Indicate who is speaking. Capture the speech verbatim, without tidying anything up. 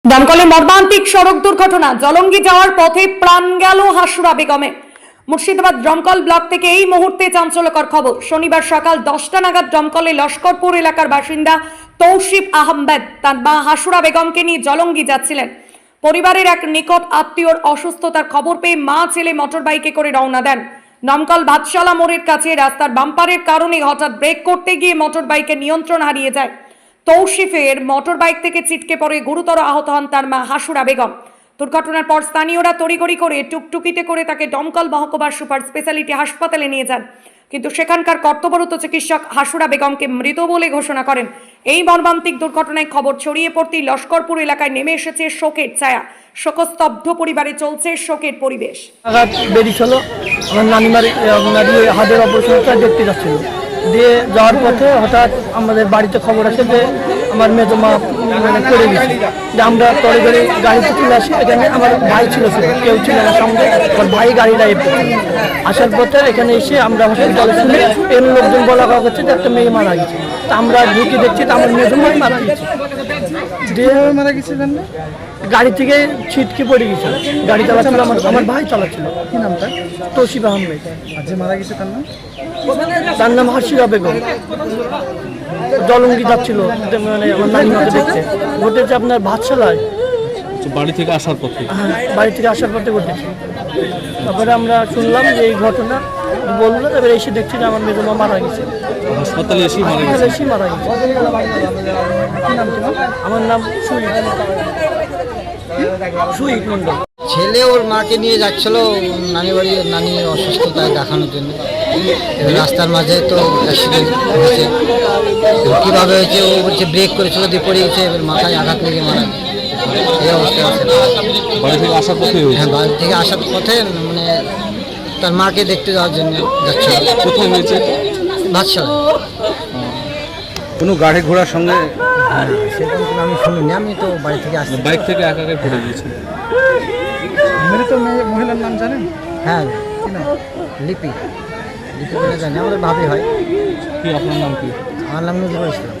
Speaker 1: দমকলে মর্মান্তিক সড়ক দুর্ঘটনা, জলঙ্গি যাওয়ার পথে প্রাণ গেল হাসুরা বেগমের। মুর্শিদাবাদ দমকল ব্লক থেকে এই মুহূর্তে চাঞ্চল্যকর খবর। শনিবার সকাল দশটা নাগাদ দমকলে লস্করপুর এলাকার বাসিন্দা তৌসিফ আহমেদ তার মা হাসুরা বেগমকে নিয়ে জলঙ্গি যাচ্ছিলেন। পরিবারের এক নিকট আত্মীয়র অসুস্থতার খবর পেয়ে মা ছেলে মোটর বাইকে করে রওনা দেন। দমকল ভাতশালা মোড়ের কাছে রাস্তার বাম্পারের কারণে হঠাৎ ব্রেক করতে গিয়ে মোটর বাইকের নিয়ন্ত্রণ হারিয়ে যায়। তৌসিফের মোটর বাইক থেকে ছিটকে পড়ে গুরুতর আহত হন তার মা হাসুরা বেগম। দুর্ঘটনার পর স্থানীয়রা তড়িঘড়ি করে টুকটুকিতে করে তাকে দমকল মহকুমার সুপার স্পেশালিটি হাসপাতালে নিয়ে যান, কিন্তু সেখানকার কর্তব্যরত চিকিৎসক হাসুরা বেগমকে মৃত বলে ঘোষণা করেন। এই মর্মান্তিক দুর্ঘটনায় খবর ছড়িয়ে পড়তেই লস্করপুর এলাকায় নেমে এসেছে শোকের ছায়া। শোকস্তব্ধ পরিবারে চলছে শোকের পরিবেশ।
Speaker 2: আঘাত বেরিয়েছিল, আমার নানিমার হাতের অপারেশনটা দেখতে যাচ্ছিল, দিয়ে যাওয়ার পথে হঠাৎ আমাদের বাড়িতে খবর আসে যে আমার মেজো মা মানে পড়ে গেছে। যে আমরা তরে করে গাড়িতে চলে আসি, এখানে আমার ভাই ছিল ছিল কেউ ছিল না সঙ্গে, আমার ভাই গাড়িটা এসে আসার পথে এখানে এসে আমরা হসপিটালে শুনে এর লোকজন বলা হচ্ছে যে একটা মেয়ে মারা গেছে। তা আমরা ঢুকে দেখছি তো আমার মেজো মাই মারা গেছে। দিয়ে মারা গেছে গাড়ি থেকে ছিটকে পড়ে গেছে। গাড়ি চালাচ্ছিল আমার আমার ভাই চালাচ্ছিল। কি নামটা? তৌসিফ আহমেদ।
Speaker 3: আর যে মারা গেছে তার নাম?
Speaker 2: তার নাম হাসিরা বেগম। জলঙ্গি যাচ্ছিল মানে আমার নানিমাকে দেখতে। ঘটেছে আপনার ভাতশালায়,
Speaker 4: বাড়ি থেকে আসার পথে।
Speaker 2: হ্যাঁ, বাড়ি থেকে আসার পথে ঘটেছে। তারপরে আমরা শুনলাম যে এই ঘটনা, বললো, তারপরে এসে দেখছি যে আমার মেজমা মারা গেছে।
Speaker 4: হাসপাতালে এসেই মারা গেছে।
Speaker 2: এসেই মারা গেছে। আমার নাম সুইট সুইট মন্ডল।
Speaker 5: ছেলে ওর মাকে নিয়ে যাচ্ছিল নানি বাড়ি, নানির অসুস্থতায় দেখানোর জন্য। এবার রাস্তার মাঝে তো অ্যাক্সিডেন্ট হয়েছে। কীভাবে হয়েছে ও বলছে ব্রেক করেছিল, দিয়ে পড়ে গেছে, এবার মাথায় আঘাত লেগে মারা গেছে। এই অবস্থায় আছে।
Speaker 4: বাড়ি থেকে আসার পথে?
Speaker 5: হ্যাঁ, বাড়ি থেকে আসার পথে মানে তার মাকে দেখতে যাওয়ার জন্য যাচ্ছিল।
Speaker 4: কোথায় হয়েছে?
Speaker 5: ভাতশালা।
Speaker 4: কোনো গাড়ি ঘোড়ার সঙ্গে?
Speaker 5: হ্যাঁ, সেরকম কোনো আমি শুনিনি, আমি তো বাড়ি থেকে আসছি।
Speaker 4: বাইক থেকে একা একাই পড়ে গিয়েছে।
Speaker 3: মৃত মহিলার নাম জানেন?
Speaker 5: হ্যাঁ,
Speaker 3: কি নাম?
Speaker 5: লিপি লিপি বলে জানি, আমাদের ভাবি হয়।
Speaker 4: কি আপনার নাম কি?
Speaker 5: আমার নাম নজরুল ইসলাম।